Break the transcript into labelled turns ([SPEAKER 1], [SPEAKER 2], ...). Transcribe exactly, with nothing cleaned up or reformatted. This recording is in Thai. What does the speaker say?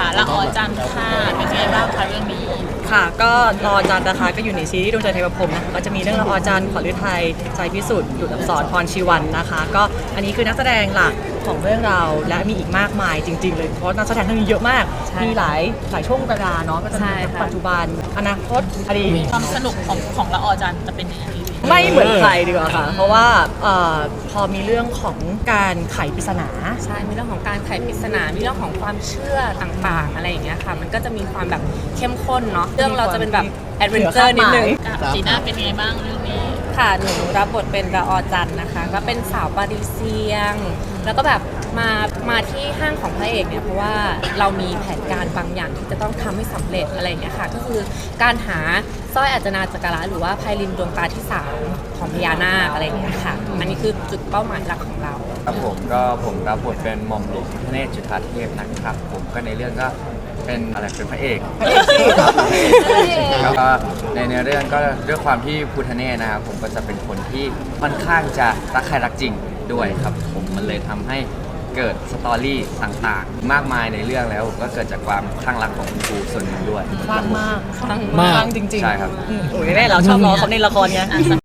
[SPEAKER 1] ละออจันทร์ค่ะเป็นไงบ้างคะเรื่องนี้
[SPEAKER 2] ค่ะก็รอจันทร์นะคะก็อยู่ในซีรีส์ดวงใจเทวพรหมนะคะก็จะมีเรื่องละออจันทร์ขอฤทัยใจพิสุทธิ์ดุจอักษรพรชีวันนะคะก็อันนี้คือนักแสดงหลักของเรื่องเราและมีอีกมากมายจริงๆเลยเพราะนักแสดงทั้งนี้เยอะมากมีหลายหลายช่วงเวลาเนาะก็จะมีปัจจุบันอนาคตอดีต
[SPEAKER 1] ความสนุกของของละออจันทร์จะเป็นยังไง
[SPEAKER 2] ไม่เหมือนใครดีกว่าค่ะเพราะว่าเอ่อพอมีเรื่องของการไขปริศนา
[SPEAKER 3] ใช่มีเรื่องของการไขปริศนามีเรื่องของความเชื่อต่างๆอะไรอย่างเงี้ยค่ะมันก็จะมีความแบบเข้มข้นเนาะเรื่องเราจะเป็นแบบแอดเวนเจอร์นิดนึง
[SPEAKER 1] จีน่าเป็นไงบ้างเรื่องนี้
[SPEAKER 3] ค่ะหนูรับบทเป็นละออจันทร์นะคะก็เป็นสาวปารีเซียงแล้วก็แบบมามาที่ห้างของพระเอกเนี่ยเพราะว่าเรามีแผนการบางอย่างที่จะต้องทำให้สำเร็จอะไรอย่างเงี้ยค่ะก็คือการหาสร้อยอัจนาจักระหรือว่าไพลินดวงตาที่สามของพญานาคอะไรอย่างเงี้ยค่ะอันนี้คือจุดเป้าหมายหลักของเรา
[SPEAKER 4] ครับผมก็ผมรับบทเป็นหม่อมหลวงพระเนตรจุฑาเทพนะครับผมก็ในเรื่องก็เป็นอะไรเป็นพระเอกแล้วก็ในเนื้อเรื่องก็ด้วยความที่พุทธเนตรนะครับผมก็จะเป็นคนที่ค่อนข้างจะรักใครรักจริงด้วยครับผมมันเลยทำให้เกิดสตอรี่ต่างๆมากมายในเรื่องแล้วก็เกิดจากความคลั่งรักของคุณครูส่วนหนึ่งด้วย
[SPEAKER 2] คลั่งมาก
[SPEAKER 3] คลั่ง
[SPEAKER 2] มากจริงๆ
[SPEAKER 4] ใช่ครับ
[SPEAKER 2] โอ้ยแม่เราชอบล้อเขาในละครไง